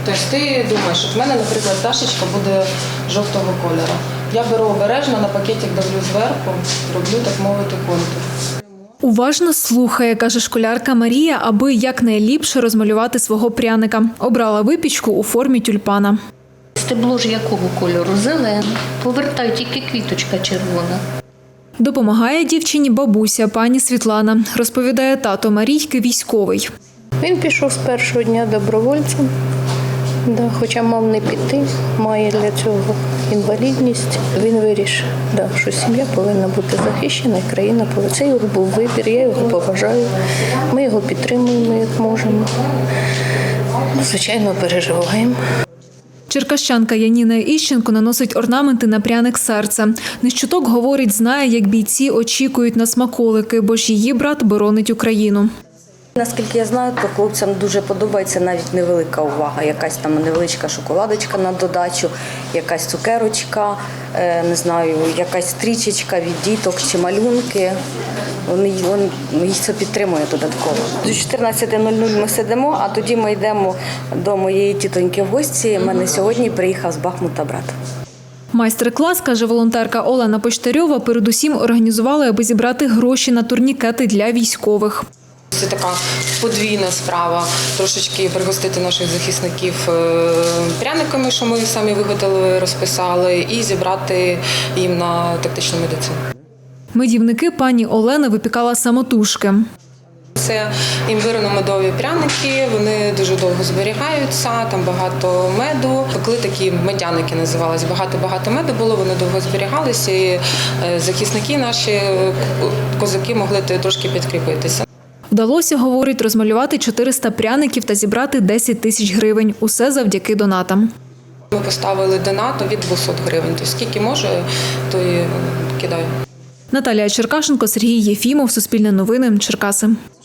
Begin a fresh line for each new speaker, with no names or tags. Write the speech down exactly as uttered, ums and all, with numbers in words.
Тобто ти думаєш, от в мене, наприклад, пташечка буде жовтого кольору. Я беру обережно, на пакетик давлю зверху, роблю, так мовити, контур.
Уважно слухає, каже школярка Марія, аби якнайліпше розмалювати свого пряника. Обрала випічку у формі тюльпана.
Стебло ж якого кольору? Зелене. Повертаю, тільки квіточка червона.
Допомагає дівчині бабуся, пані Світлана. Розповідає, тато Марійки військовий.
Він пішов з першого дня добровольцем, да, хоча мав не піти, має для цього інвалідність. Він вирішив, да, що сім'я повинна бути захищена і країна повинна. Це його був вибір, я його поважаю, ми його підтримуємо, як можемо. Звичайно, переживаємо.
Черкащанка Яніна Іщенко наносить орнаменти на пряник серця. Не з чуток, говорить, знає, як бійці очікують на смаколики, бо ж її брат боронить Україну.
Наскільки я знаю, то хлопцям дуже подобається навіть невелика увага. Якась там невеличка шоколадочка на додачу, якась цукерочка, не знаю, якась стрічечка від діток чи малюнки. Вони, вони, їх це підтримує додатково. До чотирнадцяти нуль нуль ми сидимо, а тоді ми йдемо до моєї тітоньки в гості. У мене сьогодні приїхав з Бахмута брат.
Майстер-клас, каже волонтерка Олена Почтарьова, передусім організували, аби зібрати гроші на турнікети для військових.
Це така подвійна справа, трошечки пригостити наших захисників пряниками, що ми самі виготовили, розписали, і зібрати їм на тактичну медицину.
Медівники пані Олена випікала самотужки.
Це імбирно-медові пряники, вони дуже довго зберігаються, там багато меду. Пекли такі медяники називалися, багато-багато меду було, вони довго зберігалися, і захисники наші, козаки могли трошки підкріпитися.
Вдалося, говорить, розмалювати чотириста пряників та зібрати десять тисяч гривень. Усе завдяки донатам.
Ми поставили донат від двохсот гривень, тобто скільки може, то і кидаю.
Наталія Черкашенко, Сергій Єфімов, Суспільне новини, Черкаси.